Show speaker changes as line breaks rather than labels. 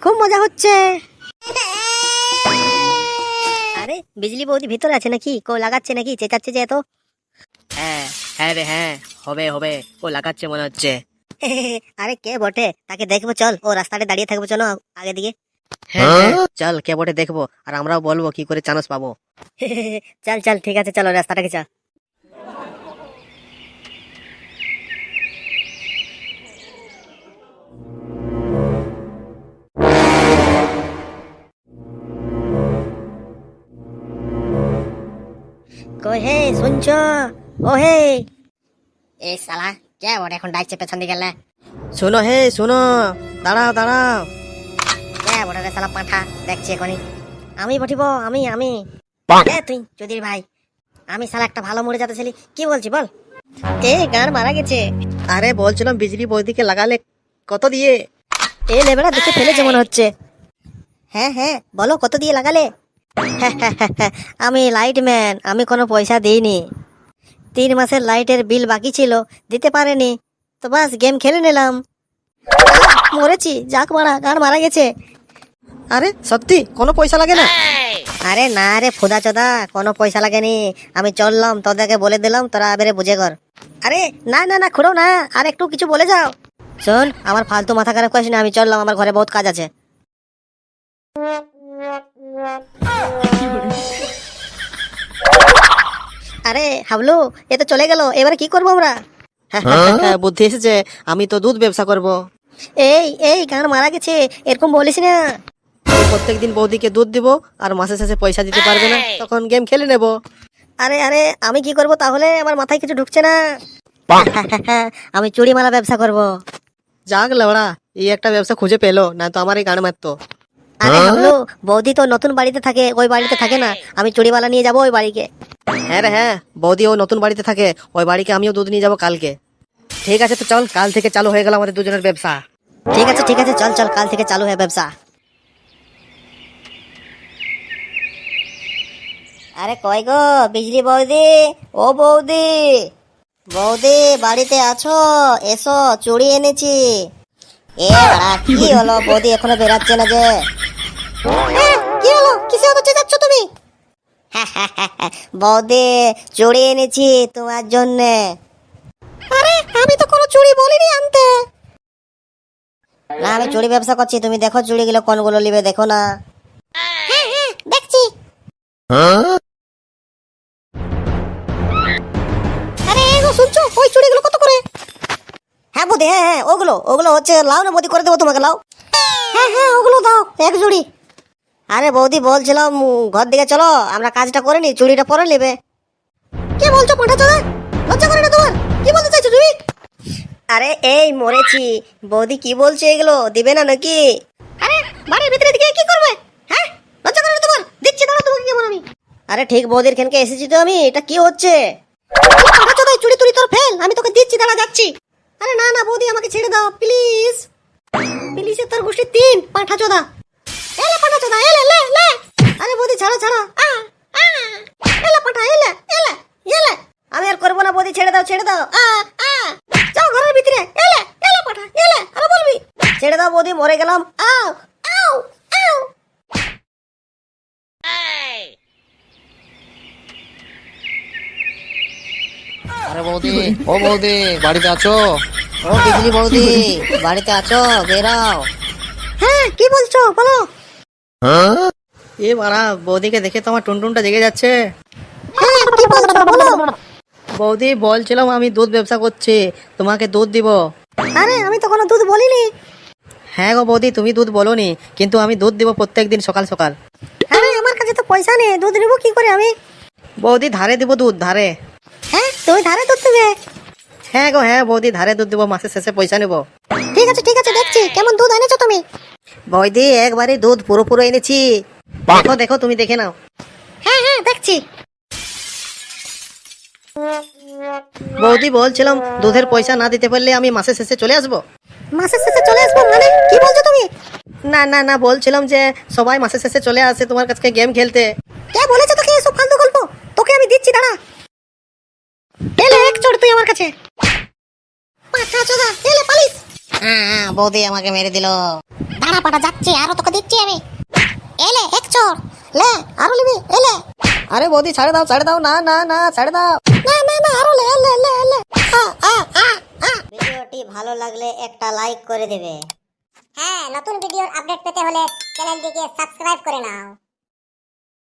খুব মজা হচ্ছে। আরে বিজলি বৌদি ভিতরে আছে নাকি? কো লাগাচ্ছে নাকি? চেঁচাচ্ছে যে এত।
হ্যাঁ হ্যাঁ রে হ্যাঁ, হবে হবে, ও লাগাচ্ছে মনে হচ্ছে।
আরে কে বটে? তাকে দেখবো, চল। ও রাস্তাতে দাঁড়িয়ে থাকবো, চলো আগে দিকে।
হ্যাঁ হ্যাঁ, চল কে বটে দেখবো, আর আমরাও বলবো কি করে চান্স পাবো।
চল চল, ঠিক আছে, চলো রাস্তাটাকে চল। কই হে, শুনছ? ও হে, এই শালা কে বটে এখন ডাকছে পেছন দিকে গেলে?
শোনো হে শোনো, দাঁড়াও দাঁড়াও।
কে বটে রে শালা পাঁঠা? দেখছি এখনই। আমি বটিব, আমি এ তুই চৌধুরী ভাই, আমি শালা একটা ভালো মরে যাতে ছিলি। কি বলছি বল? এ গান মারা গেছে।
আরে বলছিলাম বিজলি বৌদিকে লাগালে কত দিয়ে?
এ লেবেলা দেখে ফেলেছে মনে হচ্ছে। হ্যাঁ হ্যাঁ, বলো কত দিয়ে লাগালে? আমি লাইটম্যান, আমি কোনো পয়সা দিইনি। 3 মাসের লাইটের বিল বাকি ছিল, দিতে পারেনি, তো বাস গেম খেলে নিলাম। মরেছি, যাক মারা, গান মারা গেছে।
আরে সত্যি কোনো পয়সা লাগে না?
আরে না রে ফুদা চোদা, কোনো পয়সা লাগেনি। আমি চললাম, তোদেরকে বলে দিলাম, তোরা এবারে বুঝে কর। আরে না না না, খুঁড়ো না, আর একটু কিছু বলে যাও। শোন, আমার ফালতু মাথা খারাপ করিস না, আমি চললাম, আমার ঘরে বহুত কাজ আছে। আরে হাবলু, এ তো চলে গেল, এবারে কি করবো আমরা?
হ্যাঁ, বুদ্ধি এসেছে, আমি তো দুধ ব্যবসা করব।
এই এই গান মারা গেছে, এরকম বলিস না।
প্রত্যেকদিন বৌদিকে দুধ দিব, আর মাসে শেষে পয়সা দিতে পারবে না, তখন গেম খেলে নেব।
আরে আরে, আমি কি করব তাহলে? আমার মাথায় কিছু ঢুকছে না। আমি চুড়ি মালা ব্যবসা করব।
যাক লেবড়া, এই একটা ব্যবসা খুঁজে পেলো, না তো আমার এই গান মারতো।
আরে হাবলু, বৌদি তো নতুন বাড়িতে থাকে, ওই বাড়িতে থাকে না। আমি চুড়ি মালা নিয়ে যাবো ওই বাড়িকে।
হ্যাঁ রে হ্যাঁ, বৌদি ও নতুন বাড়িতে থাকে, ওই বাড়িকে আমিও দুধ নিয়ে যাবো কালকে। ঠিক আছে, তো চল, কাল থেকে চালু হয়ে গেল আমাদের দুজনের ব্যবসা।
ঠিক আছে, চল চল, কাল থেকে চালু হয় ব্যবসা। আরে কই গো বিজলি বৌদি? ও বৌদি, বৌদি বাড়িতে আছো? এসো, চুড়ি এনেছি। এ বাড়া, কি হলো? বৌদি এখনো বেরাচ্ছে না যে? কি হলো? কিসে হচ্ছে যাচ্ছ তুমি? বৌদি, চুড়ি এনেছি তোমার জন্যে। আরে আমি তো কোনো চুড়ি বলিনি আনতে। না, আমি চুড়ি ব্যবসা করছি, তুমি দেখো চুড়িগুলো কোনগুলো নিবে, দেখো না। হ্যাঁ হ্যাঁ, দেখছি। আরে এগো শুনছো, ওই চুড়িগুলো কত করে? হ্যাঁ বৌদি, হ্যাঁ হ্যাঁ, ওগুলো ওগুলো হচ্ছে, লাও না বৌদি, করে দেবো তোমাকে, লাও। হ্যাঁ হ্যাঁ, ওগুলো দাও, এক জুড়ি। আরে বৌদি বলছিলাম, ঘর দিকে চলো, আমরা কাজটা করে নি, চুড়িটা পরে নেবে। কি বলছো পাঠা চোদা? লজ্জা করে না তোমার? কি বলতে চাইছো তুমি? আরে এই মরেছি। বৌদি কি বলছে, এগুলো দিবে না নাকি? আরে বাড়ির ভিতরে দিকে কি করবে? হ্যাঁ, লজ্জা করে না তোমার? দিচ্ছি, দাঁড়া তোমাকে কেমন আমি। আরে ঠিক বৌদির খেনকে এসেছি তো আমি, এটা কি হচ্ছে? পাঠা চোদা, চুড়ি তুড়ি তোর ফেল, আমি তোকে দিচ্ছি, দাঁড়া যাচ্ছি। আরে না না বৌদি, আমাকে ছেড়ে দাও প্লিজ। প্লিজে তোর গোষ্ঠী 3 পাঠা চোদা। এলে পাঠা চোদা, এলে লে লে। আরে বৌদি ছাড়ো ছাড়ো, এলে পাঠা, এলে এলে এলে। আমি আর করবো না বৌদি, ছেড়ে দাও ছেড়ে দাও। যাও ঘরের ভিতরে, এলে এলে পাঠা, এলে, আরে বলবি? ছেড়ে দাও বৌদি, মরে গেলাম। আও আও আও।
আরে বৌদি, ও বৌদি, বাড়িতে আছো?
ও বিজলি বৌদি, বাড়িতে আছো? বেরাও। হ্যাঁ, কি বলছো বলো?
এ বাড়া, বৌদিকে দেখে তো আমার টুনটুনটা জেগে যাচ্ছে।
হ্যাঁ, কি বলছো বলো?
বৌদি বলছিলাম, আমি দুধ ব্যবসা করছি, তোমাকে দুধ দিব।
আরে আমি তো কোনো দুধ বলিনি।
হ্যাঁ গো বৌদি, তুমি দুধ বলোনি, কিন্তু আমি দুধ দিব প্রত্যেকদিন সকাল সকাল।
আরে আমার কাছে তো পয়সা নেই, দুধ নেবো কি করে আমি?
বৌদি ধারে দিব দুধ, ধারে।
হ্যাঁ, তুমি ধারে দুধ দেবে?
হ্যাঁ গো হ্যাঁ বৌদি, ধারে দুধ দিব, মাসের শেষে পয়সা নেব।
ঠিক আছে, দেখছি কেমন দুধ এনেছো তুমি।
বৌদি একবারে দুধ পুরো এনেছি, দেখো দেখো, তুমি দেখে নাও।
হ্যাঁ হ্যাঁ, দেখছি।
বৌদি বলছিলাম, দুধের পয়সা না দিতে পারলে আমি মাসের শেষে চলে আসবো।
মাসের শেষে চলে আসবো মানে? কি বলছো তুমি?
না না না, বলছিলাম যে সবাই মাসের শেষে চলে আসে তোমার কাছে গেম খেলতে।
কে বলেছে তোকে এসব ফালতু গল্প? তোকে আমি দিচ্ছি, দাঁড়া। এলে এক চড় তুই আমার কাছে। পাঁচা চোদা, এলে পালিস। বৌদি আমাকে মেরে দিল। দাঁড়া পাটা যাচ্ছে, আরো তোকে দিচ্ছি আমি। এলে এক চোর, লে আরো নিবি, এলে।
আরে বৌদি ছাড়ে দাও, না না না ছাড়ে দাও।
না না না, আরো লে, লে লে লে। ভিডিওটি ভালো লাগলে একটা লাইক করে দেবে। হ্যাঁ, নতুন ভিডিওর আপডেট পেতে হলে চ্যানেলটিকে সাবস্ক্রাইব করে নাও।